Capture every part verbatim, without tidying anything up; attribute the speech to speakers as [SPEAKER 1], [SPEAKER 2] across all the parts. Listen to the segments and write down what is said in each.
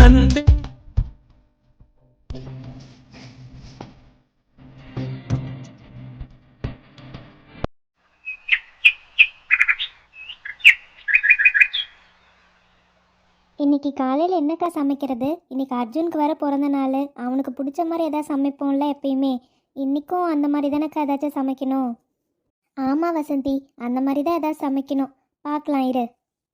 [SPEAKER 1] அன்பே.
[SPEAKER 2] இன்னைக்கு காலையில் என்னக்கா சமைக்கிறது? இன்னைக்கு அர்ஜுனுக்கு வர பிறந்த நாள், அவனுக்கு பிடிச்ச மாதிரி எதாவது சமைப்போம்ல எப்பயுமே. இன்னைக்கும் அந்த மாதிரி தானேக்கா ஏதாச்சும் சமைக்கணும்? ஆமாம் வசந்தி, அந்த மாதிரி தான் ஏதாவது சமைக்கணும். பார்க்கலாம் இரு.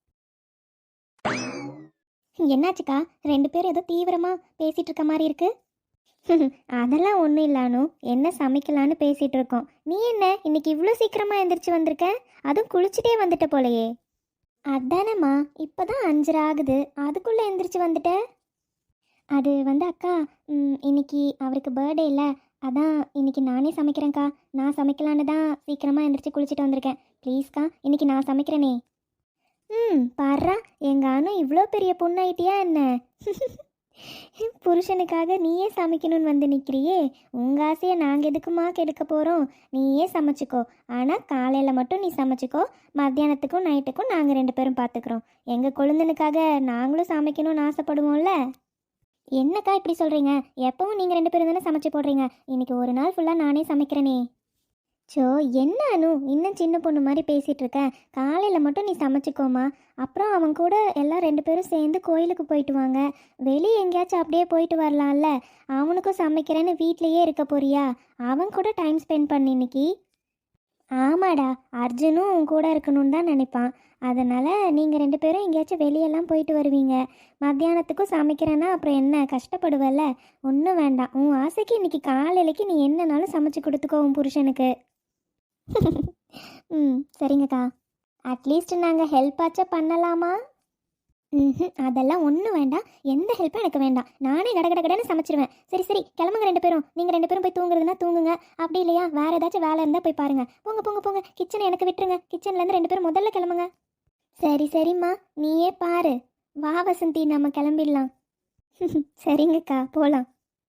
[SPEAKER 2] என்னாச்சுக்கா, ரெண்டு பேரும் ஏதோ தீவிரமாக பேசிகிட்டு இருக்க மாதிரி இருக்கு. அதெல்லாம் ஒன்றும் இல்லானு, என்ன சமைக்கலான்னு பேசிகிட்டு இருக்கோம். நீ என்ன இன்னைக்கு இவ்வளோ சீக்கிரமாக எந்திரிச்சு வந்திருக்க? அதுவும் குளிச்சுட்டே வந்துட்ட போலையே. அதானேம்மா, இப்போ தான் அஞ்சரை ஆகுது, அதுக்குள்ளே எந்திரிச்சு வந்துட்ட. அது வந்து அக்கா, ம், இன்னைக்கு அவருக்கு பர்த்டே இல்லை, அதான் இன்னைக்கு நானே சமைக்கிறேன்க்கா. நான் சமைக்கலான்னு தான் சீக்கிரமாக எந்திரிச்சு குளிச்சுட்டு வந்திருக்கேன். ப்ளீஸ்க்கா, இன்னைக்கு நான் சமைக்கிறேனே. ம், பாருடா, எங்க அனு இவ்வளோ பெரிய பொண்ணாயிட்டியா என்ன? புருஷனுக்காக நீயே சமைக்கணும்னு வந்து நிற்கிறியே. உங்கள் ஆசையை நாங்கள் எதுக்குமா கெடுக்க போகிறோம்? நீயே சமைச்சிக்கோ. ஆனால் காலையில் மட்டும் நீ சமைச்சிக்கோ, மத்தியானத்துக்கும் நைட்டுக்கும் நாங்கள் ரெண்டு பேரும் பார்த்துக்குறோம். எங்கள் கொழுந்தனுக்காக நாங்களும் சமைக்கணும்னு ஆசைப்படுவோம்ல. என்னக்கா இப்படி சொல்கிறீங்க? எப்பவும் நீங்கள் ரெண்டு பேரும் தானே சமைச்சு போடுறீங்க. இன்றைக்கி ஒரு நாள் ஃபுல்லாக நானே சமைக்கிறேனே. சோ, என்ன அனு இன்னும் சின்ன பொண்ணு மாதிரி பேசிகிட்டு இருக்க? காலையில் மட்டும் நீ சமைச்சிக்கோமா. அப்புறம் அவன் கூட எல்லாம் ரெண்டு பேரும் சேர்ந்து கோயிலுக்கு போயிட்டு வாங்க. வெளியே எங்கேயாச்சும் அப்படியே போயிட்டு வரலாம்ல. அவனுக்கும் சமைக்கிறேன்னு வீட்லேயே இருக்க போறியா? அவன் கூட டைம் ஸ்பெண்ட் பண்ணி இன்னைக்கு. ஆமாடா, அர்ஜுனும் உன் கூட இருக்கணும்னு தான் நினைப்பான். அதனால் நீங்கள் ரெண்டு பேரும் எங்கேயாச்சும் வெளியெல்லாம் போயிட்டு வருவீங்க. மத்தியானத்துக்கும் சமைக்கிறேன்னா அப்புறம் என்ன கஷ்டப்படுவல்ல? ஒன்றும் வேண்டாம், உன் ஆசைக்கு இன்னைக்கு காலையிலைக்கு நீ என்னன்னாலும் சமைச்சு கொடுத்துக்கோ உன் புருஷனுக்கு. ம், சரிங்கக்கா. அட்லீஸ்ட் நாங்கள் ஹெல்ப் ஆச்சா பண்ணலாமா? ம், அதெல்லாம் ஒன்றும் வேண்டாம். எந்த ஹெல்ப்பும் எனக்கு வேண்டாம். நானே கட கட கடன்னு சமைச்சிருவேன். சரி சரி, கிளம்புங்க ரெண்டு பேரும். நீங்கள் ரெண்டு பேரும் போய் தூங்குறதுனா தூங்குங்க. அப்படி இல்லையா வேறு ஏதாச்சும் வேலை இருந்தால் போய் பாருங்கள். போங்க போங்க போங்க, கிச்சனை எனக்கு விட்டுருங்க. கிச்சன்லேருந்து ரெண்டு பேரும் முதல்ல கிளம்புங்க. சரி சரிம்மா, நீயே பாரு. வா வசந்தி, நம்ம கிளம்பிடலாம். சரிங்கக்கா, போகலாம்.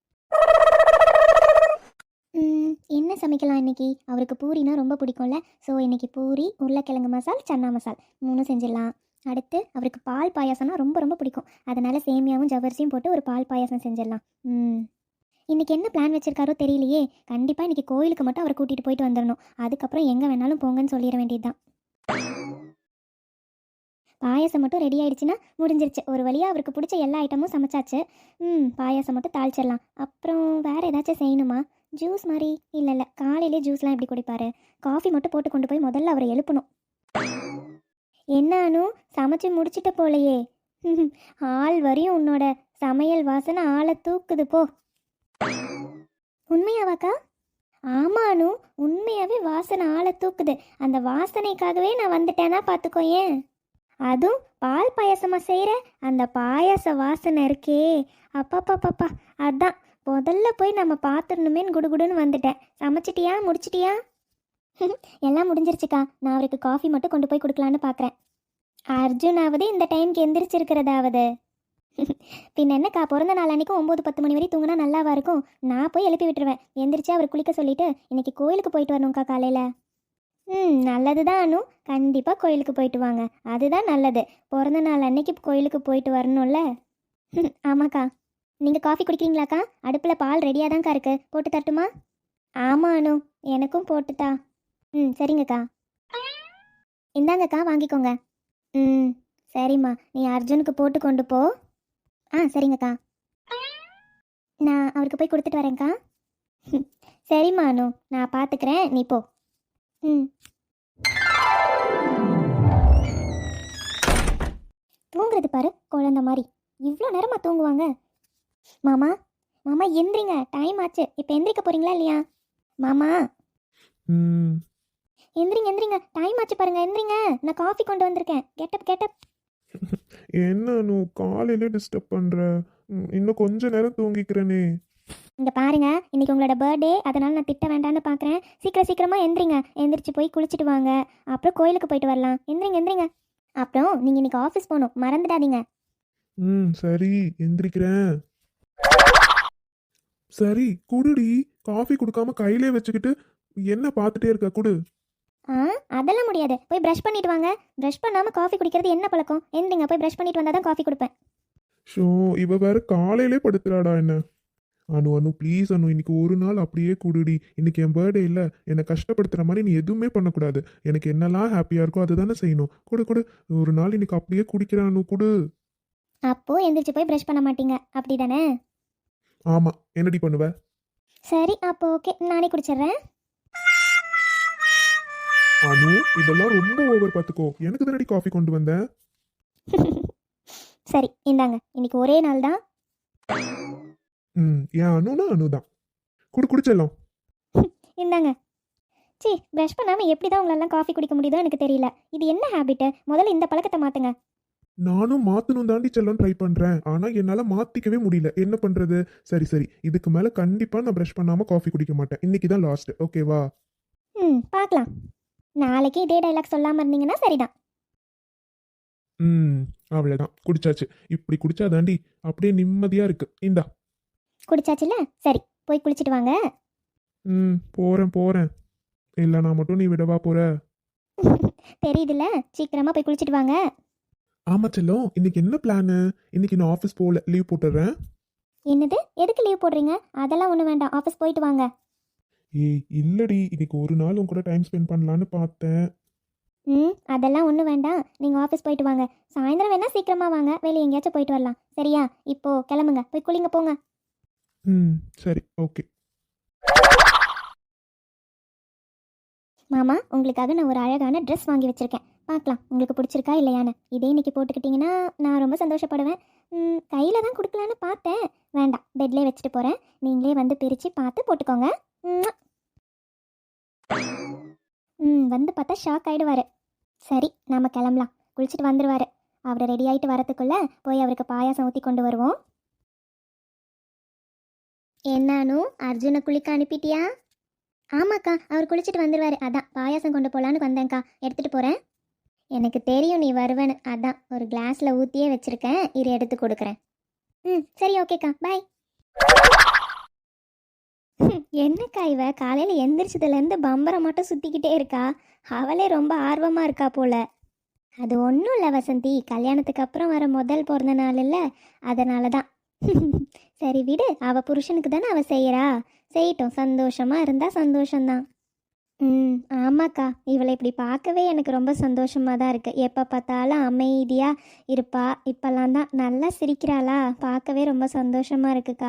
[SPEAKER 2] என்ன சமைக்கலாம் இன்னைக்கு? அவருக்கு பூரினா ரொம்ப பிடிக்கும்ல. ஸோ இன்னைக்கு பூரி, உருளைக்கிழங்கு மசால், சன்னா மசால் மூணும் செஞ்சிடலாம். அடுத்து அவருக்கு பால் பாயாசம்னா ரொம்ப ரொம்ப பிடிக்கும். அதனால் சேமியாவும் ஜவ்வரிசியும் போட்டு ஒரு பால் பாயாசம் செஞ்சிடலாம். ம், இன்றைக்கி என்ன பிளான் வச்சுருக்காரோ தெரியலையே. கண்டிப்பாக இன்றைக்கி கோயிலுக்கு மட்டும் அவரை கூட்டிகிட்டு போயிட்டு வந்துடணும். அதுக்கப்புறம் எங்கே வேணாலும் போங்கன்னு சொல்லிட வேண்டியது தான். பாயாசம் மட்டும் ரெடி ஆகிடுச்சின்னா முடிஞ்சிருச்சு. ஒரு வழியாக அவருக்கு பிடிச்ச எல்லா ஐட்டமும் சமைச்சாச்சு. ம், பாயாசம் மட்டும் தாளிச்சிடலாம். அப்புறம் வேறு ஏதாச்சும் செய்யணுமா? ஜூஸ் மாதிரி? இல்லை இல்லை, காலையிலே ஜூஸ்லாம் எப்படி குடிப்பார்? காஃபி மட்டும் போட்டு கொண்டு போய் முதல்ல அவரை எழுப்பணும். என்னானு சமைச்சு முடிச்சிட்ட போலையே. ஆள் வரையும் உன்னோட சமையல் வாசனை ஆளை தூக்குது போ. உண்மையாவாக்கா? ஆமானு, உண்மையாகவே வாசனை ஆளை தூக்குது. அந்த வாசனைக்காகவே நான் வந்துட்டேன்னா பார்த்துக்கோ. ஏன் அதுவும் பால் பாயாசமாக செய்கிற அந்த பாயாச வாசனை இருக்கே, அப்பாப்பாப்பாப்பா. அதான் முதல்ல போய் நம்ம பார்த்துடணுமேன்னு குடுகுடுன்னு வந்துட்டேன். சமைச்சிட்டியா? முடிச்சிட்டியா? எல்லாம் முடிஞ்சிருச்சுக்கா. நான் அவருக்கு காஃபி மட்டும் கொண்டு போய் கொடுக்கலான்னு பார்க்குறேன். அர்ஜுனாவது இந்த டைம்க்கு எந்திரிச்சிருக்கிறதாவது. பின்ன என்னக்கா, பிறந்த நாள் அன்றைக்கும் ஒம்பது பத்து மணி வரை தூங்கினா நல்லாவா இருக்கும்? நான் போய் எழுப்பி விட்டுருவேன். எந்திரிச்சு அவர் குளிக்க சொல்லிவிட்டு இன்னைக்கு கோயிலுக்கு போயிட்டு வரணும்க்கா காலையில். ம், நல்லது தான் அனு, கண்டிப்பாக கோயிலுக்கு போயிட்டு வாங்க. அதுதான் நல்லது. பிறந்த நாள் அன்னைக்கு கோயிலுக்கு போயிட்டு வரணும்ல. ஆமாக்கா. நீங்கள் காஃபி குடிக்கிறீங்களாக்கா? அடுப்பில் பால் ரெடியாக தான்க்கா இருக்குது, போட்டு தரட்டுமா? ஆமாம் அனு, எனக்கும் போட்டுட்டா. ம், சரிங்கக்கா. இந்தாங்கக்கா, வாங்கிக்கோங்க. ம், சரிம்மா, நீ அர்ஜுனுக்கு போட்டு கொண்டு போ. ஆ, சரிங்கக்கா. நான் அவருக்கு போய் கொடுத்துட்டு வரேன்க்கா. சரிம்மா அனு, நான் பார்த்துக்கிறேன், நீ போ. ம், தூங்குறது பாரு குழந்த மாதிரி. இவ்வளோ நேரமாக தூங்குவாங்க. மாமா, மாமா எந்திரிங்க, டைம் ஆச்சு. இப்போ எந்திரிக்க போறீங்களா இல்லையா? மாமா
[SPEAKER 3] ம்
[SPEAKER 2] எந்திரிங்க எந்திரிங்க, டைம் ஆச்சு பாருங்க, எந்திரிங்க. நான் காஃபி கொண்டு வந்திருக்கேன். Get up get up.
[SPEAKER 3] என்ன நூ காலையில டிஸ்டர்ப் பண்ற? ம், இன்னும் கொஞ்ச நேரம் தூங்கிக்கிறேனே.
[SPEAKER 2] இங்கே பாருங்க, இன்னைக்கு உங்களோட பர்த்டே, அதனால நான் திட்ட வேண்டான்னு பார்க்குறேன். சீக்கிரம் சீக்கிரமாக எந்திரிங்க. எந்திரிச்சு போய் குளிச்சுட்டு வாங்க. அப்புறம் கோயிலுக்கு போயிட்டு வரலாம். எந்திரிங்க எந்திரிங்க. அப்புறம் நீங்கள் இன்னைக்கு ஆஃபீஸ் போகணும், மறந்துடாதீங்க.
[SPEAKER 3] ம் சரி, எந்திரிக்கிறேன். சரி குடுடி. காஃபி கொடுக்காம கையிலே வச்சுக்கிட்டு என்ன பார்த்துட்டே இருக்க? குடு.
[SPEAKER 2] ஆ, அதெல்லாம் முடியாது. போய் ப்ரஷ் பண்ணிட்டு வாங்க. ப்ரஷ் பண்ணாமல் காஃபி குடிக்கிறது என்ன பழக்கம்? எந்திரிங்க, போய் ப்ரஷ் பண்ணிட்டு வந்தால் தான் காஃபி கொடுப்பேன்.
[SPEAKER 3] ஷோ இவ வேற காலையிலே படுத்துறாடா என்ன. அனு அனு ப்ளீஸ் அனு, இன்னைக்கு ஒரு நாள் அப்படியே குடுடி. இன்னைக்கு என் பர்த்டே இல்ல, என்னை கஷ்டப்படுத்துற மாதிரி நீ எதுவுமே பண்ணக்கூடாது. எனக்கு என்னெல்லாம் ஹாப்பியா இருக்கோ அதுதானே செய்யணும். குடு குடு, ஒரு நாள் இன்னைக்கு அப்படியே குடிக்கிறேன் அனு, குடு.
[SPEAKER 2] அப்போ எந்திரிச்சு போய் ப்ரஷ் பண்ண மாட்டீங்க அப்படி தானே?
[SPEAKER 3] ஆமா, என்னடி பண்ணுவ?
[SPEAKER 2] சரி அப்போ ஓகே, நானே குடிச்சிடுறேன்.
[SPEAKER 3] அனு இதெல்லாம் ரொம்ப ஓவர் பார்த்துக்கோ. எனக்கு தானடி காஃபி கொண்டு வந்தேன்.
[SPEAKER 2] சரி இந்தாங்க, இன்னைக்கு ஒரே நாள் தான்.
[SPEAKER 3] ம் என் அனுனா அனு தான். குடு குடிச்செல்லாம்.
[SPEAKER 2] இந்தாங்க. சி, ப்ரஷ் பண்ணாமல் எப்படி தான் உங்களெல்லாம் காஃபி குடிக்க முடியுதோ எனக்கு தெரியல. இது என்ன ஹேபிட்டு? முதல்ல இந்த பழக்கத்தை மாற்றுங்க.
[SPEAKER 3] நானும் மாத்தணும் தாண்டி செல்லம் ட்ரை பண்றேன். ஆனா என்னால மாத்திக்கவே முடியல. என்ன பண்றது? சரி சரி, இதுக்கு மேல கண்டிப்பா நான் ப்ரஷ் பண்ணாம காஃபி குடிக்க மாட்டேன். இன்னைக்கு தான் லாஸ்ட், ஓகேவா?
[SPEAKER 2] ம் பார்க்கலாம். நாளைக்கு இதே டைலாக் சொல்லாமல் இருந்தீங்கன்னா சரிதான்.
[SPEAKER 3] ம் அவ்வளவுதான், குடிச்சாச்சு. இப்படி குடிச்சா தாண்டி அப்படியே நிம்மதியா இருக்கு. இந்தா.
[SPEAKER 2] குடிச்சாச்சுல, சரி போய் குளிச்சுட்டு வாங்க.
[SPEAKER 3] ம் போறேன் போறேன். இல்ல நான் மட்டும் நீ விடவா போற?
[SPEAKER 2] தெரியுதுல்ல, சீக்கிரமா போய் குளிச்சுட்டு வாங்க.
[SPEAKER 3] ஆமா செல்லம், இன்னைக்கு என்ன பிளானு? இன்னைக்கு நான் ஆஃபீஸ் போகல, லீவ் போட்டுறேன்.
[SPEAKER 2] என்னது, எதுக்கு லீவ் போடுறீங்க? அதெல்லாம் ஒன்றும் வேண்டாம், ஆஃபீஸ் போயிட்டு வாங்க.
[SPEAKER 3] ஏய் இல்லடி, இன்னைக்கு ஒரு நாள் உன் கூட டைம் ஸ்பெண்ட் பண்ணலான்னு பார்த்தேன்.
[SPEAKER 2] ம் அதெல்லாம் ஒன்றும் வேண்டாம், நீங்கள் ஆஃபீஸ் போயிட்டு வாங்க. சாயந்தரம் வேணா சீக்கிரமா வாங்க, வெளியே எங்கேயாச்சும் போயிட்டு வரலாம். சரியா? இப்போ கிளம்புங்க, போய் குளிங்க போங்க.
[SPEAKER 3] ம் சரி ஓகே.
[SPEAKER 2] மாமா, உங்களுக்காக நான் ஒரு அழகான ட்ரெஸ் வாங்கி வச்சிருக்கேன். பார்க்கலாம் உங்களுக்கு பிடிச்சிருக்கா இல்லையான்னு. இதே இன்னைக்கு போட்டுக்கிட்டிங்கன்னா நான் ரொம்ப சந்தோஷப்படுவேன். கையில் தான் கொடுக்கலான்னு பார்த்தேன், வேண்டாம், பெட்லேயே வச்சுட்டு போகிறேன். நீங்களே வந்து பிரித்து பார்த்து போட்டுக்கோங்க. ம்ம். ம் வந்து பார்த்தா ஷாக் ஆகிடுவார். சரி நாம் கிளம்பலாம், குளிச்சுட்டு வந்துடுவார். அவர் ரெடி ஆகிட்டு வரத்துக்குள்ளே போய் அவருக்கு பாயாசம் ஊற்றி கொண்டு வருவோம். என்னானு, அர்ஜுனை குளிக்க அனுப்பிட்டியா? ஆமாக்கா, அவர் குளிச்சுட்டு வந்துடுவார், அதான் பாயாசம் கொண்டு போகலான்னு வந்தேன்க்கா. எடுத்துகிட்டு போகிறேன். எனக்கு தெரியும் நீ வருவேன்னு, அதான் ஒரு கிளாஸில் ஊற்றியே வச்சுருக்கேன், இரு எடுத்து கொடுக்குறேன். ம் சரி ஓகேக்கா, பாய். என்னக்கா இவ காலையில் எந்திரிச்சதுலேருந்து பம்பரை மட்டும் சுற்றிக்கிட்டே இருக்கா? அவளே ரொம்ப ஆர்வமாக இருக்கா போல. அது ஒன்றும் இல்லை வசந்தி, கல்யாணத்துக்கு அப்புறம் வர முதல் பிறந்த நாள் இல்லை, அதனால தான். சரி விடு, அவள் புருஷனுக்கு தானே அவள் செய்கிறா, செய்யட்டும். சந்தோஷமாக இருந்தால் சந்தோஷம்தான். ம் ஆமாக்கா, இவளை இப்படி பார்க்கவே எனக்கு ரொம்ப சந்தோஷமாக தான் இருக்குது. எப்போ பார்த்தாலும் அமைதியாக இருப்பா, இப்போல்லாம் தான் நல்லா சிரிக்கிறாளா, பார்க்கவே ரொம்ப சந்தோஷமாக இருக்குக்கா.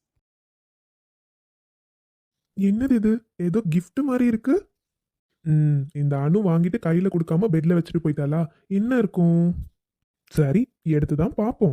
[SPEAKER 3] என்னது இது? ஏதோ கிஃப்ட் மாதிரி இருக்கு. ம் இந்த அணு வாங்கிட்டு கையில கொடுக்காம பெட்ல வச்சுட்டு போயிட்டாளா? என்ன இருக்கும்? சரி, எடுத்து தான் பார்ப்போம்.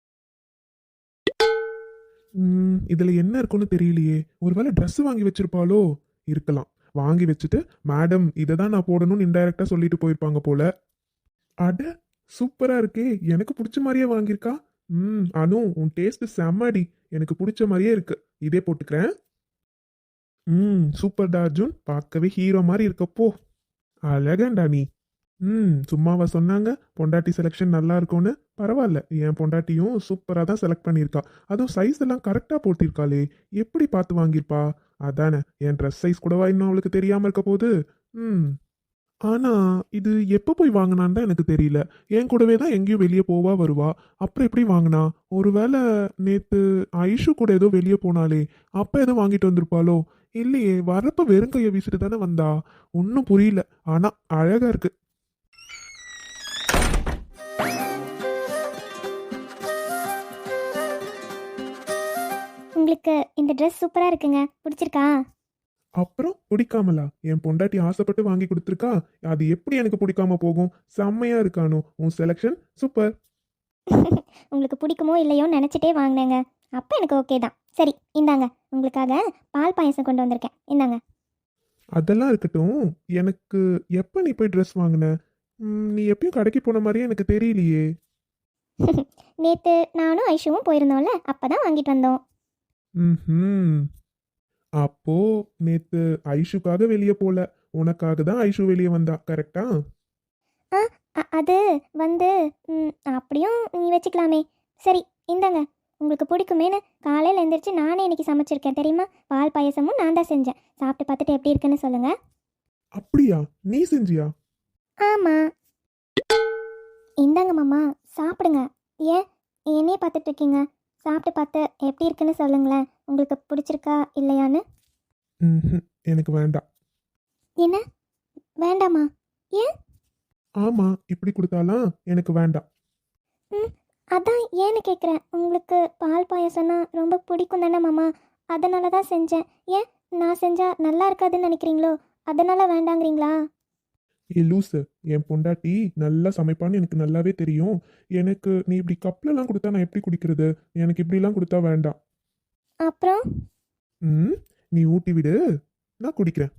[SPEAKER 3] ம் இதுல என்ன இருக்குன்னு தெரியலையே. ஒருவேளை ட்ரெஸ் வாங்கி வச்சிருப்பாளோ? இருக்கலாம். வாங்கி வச்சுட்டு மேடம் இதை தான் நான் போடணும்னு இன்டைரக்டா சொல்லிட்டு போயிருப்பாங்க போல. அட சூப்பரா இருக்கே, எனக்கு பிடிச்ச மாதிரியே வாங்கியிருக்கா. ம் அனு உன் டேஸ்ட் செம்மடி, எனக்கு பிடிச்ச மாதிரியே இருக்கு. இதே போட்டுக்கிறேன். ம் சூப்பர்டா அர்ஜுன், பார்க்கவே ஹீரோ மாதிரி இருக்கப்போ. அழகண்டா நீ. ம் சும்மாவா சொன்னாங்க பொண்டாட்டி செலெக்ஷன் நல்லா இருக்கும்னு? பரவாயில்ல, என் பொண்டாட்டியும் சூப்பராக தான் செலக்ட் பண்ணியிருக்கா. அதுவும் சைஸ் எல்லாம் கரெக்டாக போட்டிருக்காளே, எப்படி பார்த்து வாங்கியிருப்பா? அதானே, என் ட்ரெஸ் சைஸ் கூடவா இன்னும் அவளுக்கு தெரியாமல் இருக்க போகுது. ம் ஆனா இது எப்போ போய் வாங்கினான்னு தான் எனக்கு தெரியல. என் கூடவே தான் எங்கேயும் வெளியே போவா வருவா, அப்புறம் எப்படி வாங்கினா? ஒருவேளை நேத்து ஐஷு கூட ஏதோ வெளியே போனாலே, அப்ப ஏதோ வாங்கிட்டு வந்திருப்பாளோ? இல்லையே, வரப்ப வெறுங்கைய வீசிட்டு தானே வந்தா. ஒன்றும் புரியல, ஆனா அழகா இருக்கு.
[SPEAKER 2] உங்களுக்கு இந்த ட்ரெஸ் சூப்பராக இருக்குங்க, பிடிச்சிருக்கா?
[SPEAKER 3] அப்புறம் பிடிக்காமலா? என் பொண்டாட்டி ஆசைப்பட்டு வாங்கி கொடுத்துருக்கா, அது எப்படி எனக்கு பிடிக்காம போகும்? செம்மையா இருக்கானோ உன் செலெக்ஷன், சூப்பர்.
[SPEAKER 2] உங்களுக்கு பிடிக்குமோ இல்லையோன்னு நினச்சிட்டே வாங்கினேங்க, அப்போ எனக்கு ஓகே தான். சரி இந்தாங்க, உங்களுக்காக பால் பாயசம் கொண்டு வந்திருக்கேன், இந்தாங்க.
[SPEAKER 3] அதெல்லாம் இருக்கட்டும், எனக்கு எப்போ நீ போய் ட்ரெஸ் வாங்கின? ம், நீ எப்பயும் கடைக்கு போன மாதிரியே எனக்கு தெரியலையே.
[SPEAKER 2] நேற்று நானும் ஐஷுவும் போயிருந்தோம்ல, அப்போ தான் வாங்கிட்டு வந்தோம்.
[SPEAKER 3] ம் அப்போ நேத்து ஐஷுக்காக வெளியே போல, உனக்காக தான் ஐஷு வெளியே வந்தா, கரெக்டா?
[SPEAKER 2] ஆ அ- அது வந்து ம், அப்படியும் நீ வச்சுக்கலாமே. சரி இந்தாங்க, உங்களுக்கு பிடிக்குமேனு காலையில் எழுந்திரிச்சு நானே இன்னைக்கு சமைச்சிருக்கேன் தெரியுமா. பால் பாயசமும் நான் தான் செஞ்சேன், சாப்பிட்டு பார்த்துட்டு எப்படி இருக்குன்னு சொல்லுங்கள்.
[SPEAKER 3] அப்படியா, நீ செஞ்சியா?
[SPEAKER 2] ஆமாம், இந்தாங்க மாமா, சாப்பிடுங்க. ஏன் என்னையே பார்த்துட்டு இருக்கீங்க? சாப்பிட்டு பார்த்து எப்படி இருக்குன்னு சொல்லுங்களேன். உங்களுக்கு பிடிச்சிருக்கா இல்லையான்னு?
[SPEAKER 3] ம் எனக்கு வேண்டாம்.
[SPEAKER 2] என்ன வேண்டாமா? ஏன்?
[SPEAKER 3] ஆமாம், இப்படி கொடுத்தாலாம் எனக்கு வேண்டாம்.
[SPEAKER 2] ம் அதான் ஏன்னு கேட்குறேன். உங்களுக்கு பால் பாயசம்னா ரொம்ப பிடிக்கும் தானே மாமா? அதனால தான் செஞ்சேன். ஏன் நான் செஞ்சால் நல்லா இருக்காதுன்னு நினைக்கிறீங்களோ? அதனால் வேண்டாங்கிறீங்களா?
[SPEAKER 3] ஏ லூசு, என் பொண்டாட்டி நல்லா சமைப்பான்னு எனக்கு நல்லாவே தெரியும். எனக்கு நீ இப்படி கப்லலாம் கொடுத்தா நான் எப்படி குடிக்கிறது? எனக்கு இப்படிலாம் கொடுத்தா வேண்டாம்.
[SPEAKER 2] அப்புறம்
[SPEAKER 3] ம் நீ ஊட்டி விடு, நான் குடிக்கிறேன்.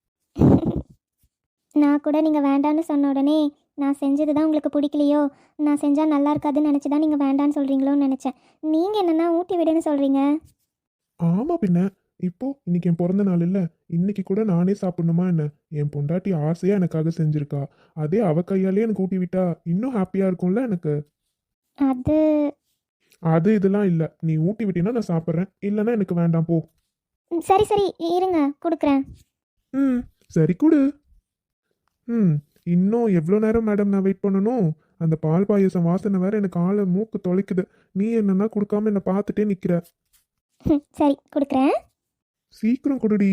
[SPEAKER 2] நான் கூட நீங்கள் வேண்டான்னு சொன்ன உடனே நான் செஞ்சது தான் உங்களுக்கு பிடிக்கலையோ, நான் செஞ்சால் நல்லா இருக்காதுன்னு நினச்சி தான் நீங்கள் வேண்டான்னு சொல்கிறீங்களோன்னு நினச்சேன். நீங்கள் என்னென்னா ஊட்டி விடுன்னு சொல்கிறீங்க.
[SPEAKER 3] ஆமாம் பின்ன, இப்போ இன்னைக்கு என் பிறந்த நாள் இல்லை, இன்னைக்கு கூட நானே சாப்பிடணுமா என்ன? என் பொண்டாட்டி ஆசையாக எனக்காக செஞ்சிருக்கா. அதே அவ கையாலே எனக்கு ஊட்டி விட்டா இன்னும் ஹாப்பியாக இருக்கும்ல எனக்கு.
[SPEAKER 2] அது
[SPEAKER 3] அது இதெல்லாம் இல்லை, நீ ஊட்டி விட்டீங்கன்னா நான் சாப்பிட்றேன், இல்லைன்னா எனக்கு வேண்டாம் போ.
[SPEAKER 2] ம், சரி சரி இருங்க கொடுக்குறேன்.
[SPEAKER 3] ம் சரி கொடு. ம் இன்னும் எவ்வளோ நேரம் மேடம் நான் வெயிட் பண்ணணும்? அந்த பால் பாயசம் வாசனை வேற எனக்கு ஆளை மூக்கு தொலைக்குது. நீ என்னன்னா கொடுக்காம என்னை பார்த்துட்டே நிற்கிற.
[SPEAKER 2] ம், சரி கொடுக்குறேன்.
[SPEAKER 3] சீக்கிரம் கொடுடி.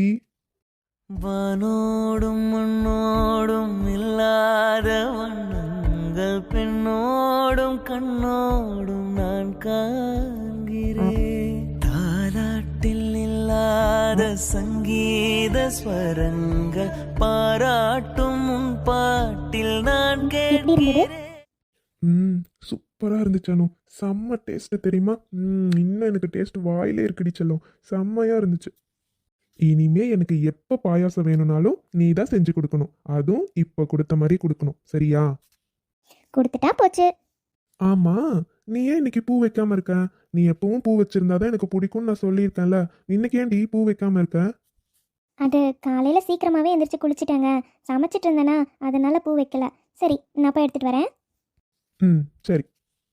[SPEAKER 1] வானோடும் மண்ணோடும் இல்லாத வண்ணங்கள் பெண்ணோடும் கண்ணோடும் நான் காண்கிறேன். தாலாட்டில் இல்லாத சங்கீத ஸ்வரங்கள் பாராட்டும் உன் பாட்டில் நான் கேட்கிறேன்.
[SPEAKER 3] ம் சூப்பராக இருந்துச்சு அனு, செம்ம டேஸ்ட்டு தெரியுமா? ம் இன்னும் எனக்கு டேஸ்ட் வாயிலே இருக்குடி செல்லம், செம்மையாக இருந்துச்சு. இனிமே எனக்கு எப்போ பாயாசம் வேணும்னாலும் நீ தான் செஞ்சு கொடுக்கணும், அதுவும் இப்போ கொடுத்த மாதிரி கொடுக்கணும், சரியா?
[SPEAKER 2] கொடுத்துட்டா போச்சு.
[SPEAKER 3] ஆமாம், நீ ஏன் இன்னைக்கு பூ வைக்காம இருக்க? நீ எப்பவும் பூ வச்சிருந்தாதான் எனக்கு பிடிக்கும்னு நான் சொல்லியிருக்கேன்ல, இன்னைக்கு ஏன்டி பூ வைக்காம இருக்க?
[SPEAKER 2] அது காலையில் சீக்கிரமாகவே எந்திரிச்சு குளிச்சிட்டேங்க. சமைச்சிட்டு இருந்தேனா அதனால் பூ வைக்கல. சரி நான் போய் எடுத்துகிட்டு வரேன்.
[SPEAKER 3] ம் சரி.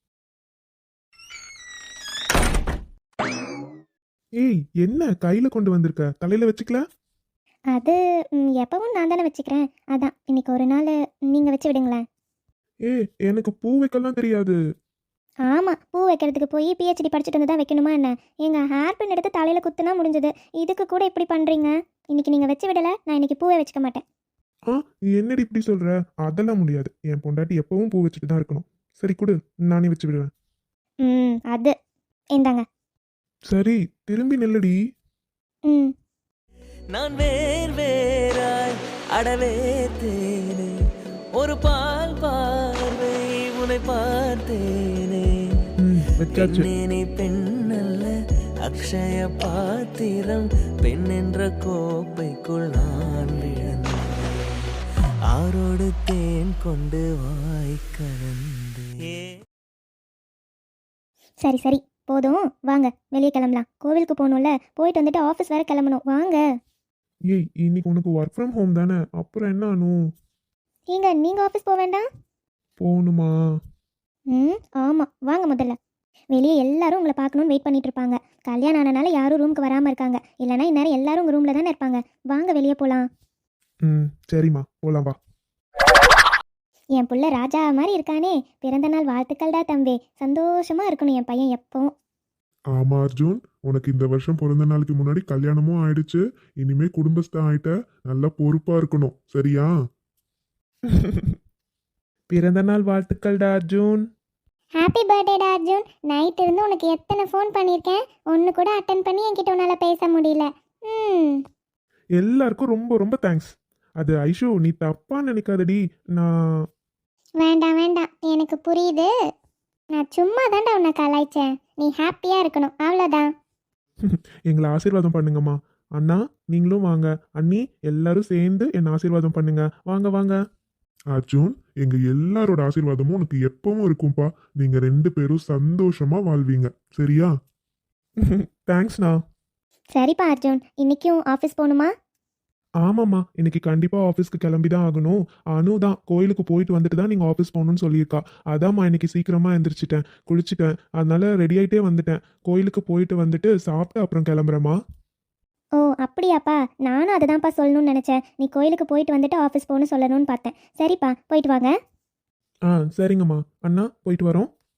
[SPEAKER 3] ஏய் என்ன கையில் கொண்டு வந்திருக்க, தலையில் வச்சுக்கல?
[SPEAKER 2] அது ம், எப்பவும் நான் தானே வச்சுக்கிறேன். அதான் இன்னைக்கு ஒரு நாள் நீங்கள் வச்சு விடுங்களேன்.
[SPEAKER 3] ஏ எனக்கு பூ வைக்கலாம் தெரியாது.
[SPEAKER 2] ஆமாம், பூ வைக்கிறதுக்கு போய் பிஹெச்டி படிச்சுட்டு வந்து தான் வைக்கணுமா என்ன? எங்கள் ஹேர் பின் எடுத்து தலையில் குத்துனா முடிஞ்சது. இதுக்கு கூட இப்படி பண்ணுறீங்க. இன்னைக்கு நீங்கள் வச்சு விடலை, நான் இன்னைக்கு பூவை வச்சுக்க மாட்டேன்.
[SPEAKER 3] ஆ நீ என்னடி இப்படி சொல்ற? அதெல்லாம் முடியாது, என் பொண்டாட்டி எப்பவும் பூ வச்சுட்டு தான் இருக்கணும். சரி கொடு, நானே வச்சு விடுவேன்.
[SPEAKER 2] ம் அது இந்தாங்க.
[SPEAKER 3] சரி திரும்பி நில்லுடி.
[SPEAKER 2] ம்
[SPEAKER 1] நான் வேர் வேறாய் அடவே தேனே, ஒரு பால் பார்வை உன்னை பார்த்தேனே.
[SPEAKER 3] ம் வச்சாச்சு.
[SPEAKER 1] பெண்ணே பெண்ணல்ல அக்ஷய பாத்திரம், பெண் என்ற கோப்பைக்குள் நான் விழுந்தேன். ஆரோடு தேன் கொண்டு வாய் கலந்தே.
[SPEAKER 2] சரி சரி போதும், வாங்க வெளியே கிளம்பலாம். கோவிலுக்கு போகணும்ல, போயிட்டு வந்துட்டு ஆஃபீஸ் வேறு கிளம்பணும். வாங்க.
[SPEAKER 3] ஏய் இன்னைக்கு உனக்கு ஒர்க் ஃப்ரம் ஹோம் தானே, அப்புறம் என்ன அனு?
[SPEAKER 2] ஏங்க நீங்கள் ஆஃபீஸ் போக வேண்டாம்?
[SPEAKER 3] போகணுமா?
[SPEAKER 2] ம் ஆமாம், வாங்க முதல்ல. வெளியே எல்லாரும் உங்களை பார்க்கணுன்னு வெயிட் பண்ணிட்டு இருப்பாங்க. கல்யாணம் ஆனனால யாரும் ரூமுக்கு வராமல் இருக்காங்க. இல்லைனா இந்நேரம் எல்லாரும் உங்கள் ரூமில் தானே இருப்பாங்க. வாங்க வெளியே போகலாம்.
[SPEAKER 3] ம் சரிம்மா போலாம் வா.
[SPEAKER 2] என் புள்ள ராஜா மாதிரி இருக்கானே. பிறந்த நாள் வாழ்த்துக்கள்டா தம்பி. சந்தோஷமா இருக்கணும் என் பையன் எப்பவும்.
[SPEAKER 4] ஆமா அர்ஜுன், உனக்கு இந்த வருஷம் பிறந்த நாளுக்கு முன்னாடி கல்யாணமும் ஆயிடுச்சு, இனிமே குடும்பஸ்தான் ஆயிட்ட, நல்லா பொறுப்பா இருக்கணும், சரியா?
[SPEAKER 3] பிறந்த நாள் வாழ்த்துக்கள்டா அர்ஜுன்.
[SPEAKER 2] ஹாப்பி பர்த்டேடா அர்ஜுன். நைட் இருந்து உனக்கு எத்தனை ஃபோன் பண்ணியிருக்கேன், ஒன்று கூட அட்டன் பண்ணி என்கிட்ட உன்னால் பேச முடியல. ம்
[SPEAKER 3] எல்லாருக்கும் ரொம்ப ரொம்ப தேங்க்ஸ். அது ஐஷு நீ தப்பா நினைக்காதடி. நான்
[SPEAKER 2] வேண்டாம் வேண்டாம், எனக்கு புரியுது. நான் சும்மா தான்டா உன்னை கலாய்ச்சேன். நீ ஹாப்பியாக இருக்கணும், அவ்வளோதான்.
[SPEAKER 3] எங்களை ஆசீர்வாதம் பண்ணுங்கம்மா. அண்ணா நீங்களும் வாங்க. அண்ணி எல்லாரும் சேர்ந்து என்னை ஆசீர்வாதம் பண்ணுங்க. வாங்க வாங்க.
[SPEAKER 4] அர்ஜுன், எங்க எல்லாரோட ஆசீர்வாதமும் உனக்கு எப்பவும் இருக்கும்பா. நீங்க ரெண்டு பேரும் சந்தோஷமா வாழ்வீங்க, சரியா?
[SPEAKER 3] தேங்க்ஸ்ண்ணா.
[SPEAKER 2] சரிப்பா அர்ஜுன், இன்னைக்கும் ஆஃபீஸ் போகணுமா?
[SPEAKER 3] ஆமாம்மா, இன்னைக்கு கண்டிப்பாக ஆஃபீஸ்க்கு கிளம்பி தான் ஆகணும். அனு தான் கோயிலுக்கு போயிட்டு வந்துட்டு தான் நீங்கள் ஆஃபீஸ் போகணும்னு சொல்லியிருக்கா. அதாம்மா இன்னைக்கு சீக்கிரமாக எழுந்திரிச்சிட்டேன், குளிச்சுட்டேன், அதனால ரெடி ஆகிட்டே வந்துட்டேன். கோயிலுக்கு போயிட்டு வந்துட்டு சாப்பிட்டு அப்புறம் கிளம்புறேம்மா.
[SPEAKER 2] ஓ அப்படியாப்பா, நானும் அதை தான்ப்பா சொல்லணும்னு நினச்சேன். நீ கோயிலுக்கு போயிட்டு வந்துட்டு ஆஃபீஸ் போகணும்னு சொல்லணும்னு பார்த்தேன். சரிப்பா போயிட்டு வாங்க.
[SPEAKER 3] ஆ சரிங்கம்மா. அண்ணா போயிட்டு வரோம்.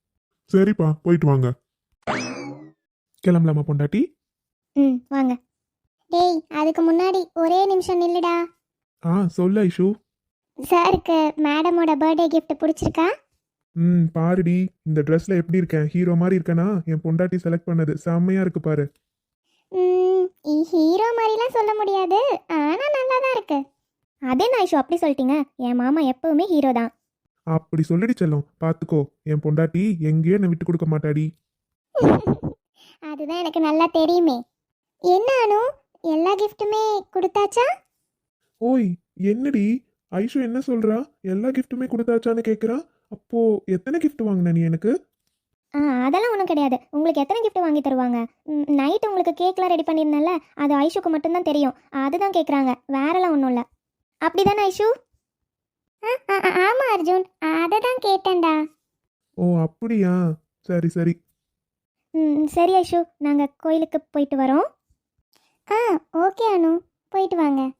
[SPEAKER 4] சரிப்பா போயிட்டு வாங்க.
[SPEAKER 3] கிளம்பலாமா பொண்டாட்டி?
[SPEAKER 2] ம் வாங்க. டேய் அதுக்கு முன்னாடி ஒரே நிமிஷம் நில்லுடா.
[SPEAKER 3] ஆ சொல்லு ஐஷு.
[SPEAKER 2] சாருக்கு மேடமோட பர்த்டே gift பிடிச்சிருக்கா?
[SPEAKER 3] ம் பாருடி, இந்த ட்ரெஸ்ல எப்படி இருக்கேன்? ஹீரோ மாதிரி இருக்கேனா? என் பொண்டாட்டி செலக்ட் பண்ணது செம்மையா இருக்கு பாரு.
[SPEAKER 2] ம் ஹீரோ மாதிரிலாம் சொல்ல முடியாது, ஆனால் நல்லா தான் இருக்கு. அதே நான் ஐஷு அப்படி சொல்லிட்டீங்க, என் மாமா எப்பவுமே ஹீரோ தான்.
[SPEAKER 3] அப்படி சொல்லிடி செல்லம், பார்த்துக்கோ. என் பொண்டாட்டி எங்கேயும் என்னை விட்டு கொடுக்க மாட்டாடி.
[SPEAKER 2] அதுதான் எனக்கு நல்லா தெரியுமே. என்ன அனு, எல்லா கிஃப்ட்டுமே கொடுத்தாச்சா?
[SPEAKER 3] ஓய் என்னடி ஐஷு என்ன சொல்றா? எல்லா கிஃப்ட்டுமே கொடுத்தாச்சான்னு கேட்குறா. அப்போ எத்தனை கிஃப்ட் வாங்கின நீ எனக்கு?
[SPEAKER 2] ஆ அதெல்லாம் ஒன்றும் கிடையாது. உங்களுக்கு எத்தனை gift வாங்கி தருவாங்க? நைட் உங்களுக்கு கேக்லாம் ரெடி பண்ணியிருந்தேன்ல, அது ஐஷுக்கு மட்டும்தான் தெரியும். அதுதான் கேட்குறாங்க, வேறெல்லாம் ஒன்றும் இல்லை. அப்படி தானே ஐஷு? ஆமாம் அர்ஜுன், அதை தான் கேட்டேன்டா.
[SPEAKER 3] ஓ அப்படியா, சரி சரி.
[SPEAKER 2] ம் சரி ஐஷு, நாங்கள் கோயிலுக்கு போயிட்டு வரோம். ஆ ஓகே அனு, போயிட்டு வாங்க.